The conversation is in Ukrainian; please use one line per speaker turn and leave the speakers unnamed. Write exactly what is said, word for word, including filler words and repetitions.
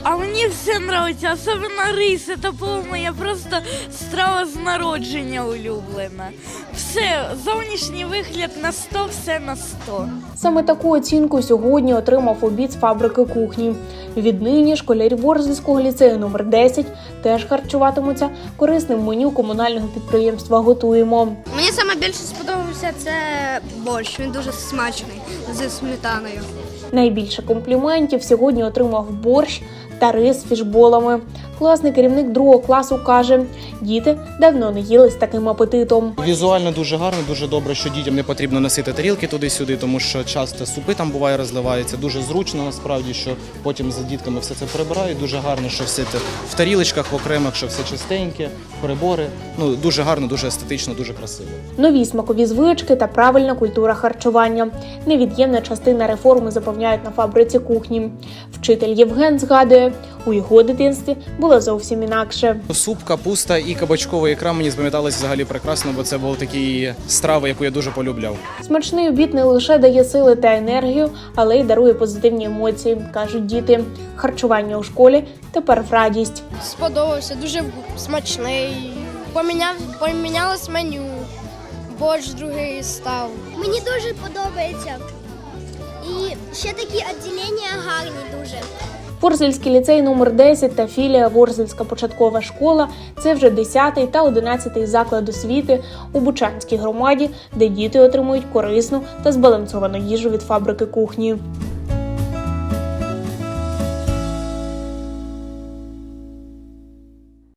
А мені все подобається, особливо рис, це, по-моєму, я просто страва з народження улюблена. Все, зовнішній вигляд на сто, все на сто.
Саме таку оцінку сьогодні отримав обід з фабрики кухні. Віднині школярі Ворзельського ліцею номер десять теж харчуватимуться корисним меню комунального підприємства «Готуємо».
Мені саме більше сподобався це борщ, він дуже смачний, зі сметаною.
Найбільше компліментів сьогодні отримав борщ та рис з фішболами. Класний керівник другого класу каже, діти давно не їли з таким апетитом.
Візуально дуже гарно, дуже добре, що дітям не потрібно носити тарілки туди-сюди, тому що часто супи там буває розливаються. Дуже зручно насправді, що потім за дітками все це прибирають. Дуже гарно, що все це в тарілочках, в окремих, що все чистеньке, прибори. Ну, дуже гарно, дуже естетично, дуже красиво.
Нові смакові звички та правильна культура харчування. Невід'ємна частина реформи, запевняють на фабриці кухні. Вчитель Євген згадує, у його дитинстві було зовсім інакше.
Суп, капуста і кабачкова ікра мені запам'яталися взагалі прекрасно, бо це були такі страви, яку я дуже полюбляв.
Смачний обід не лише дає сили та енергію, але й дарує позитивні емоції, кажуть діти. Харчування у школі тепер в радість.
Сподобався, дуже смачний. Поміняв, помінялось меню, борщ другий став.
Мені дуже подобається. І ще такі відділення гарні дуже.
Ворзельський ліцей номер десять та філія Ворзельська початкова школа – це вже десятий та одинадцятий заклад освіти у Бучанській громаді, де діти отримують корисну та збалансовану їжу від фабрики кухні.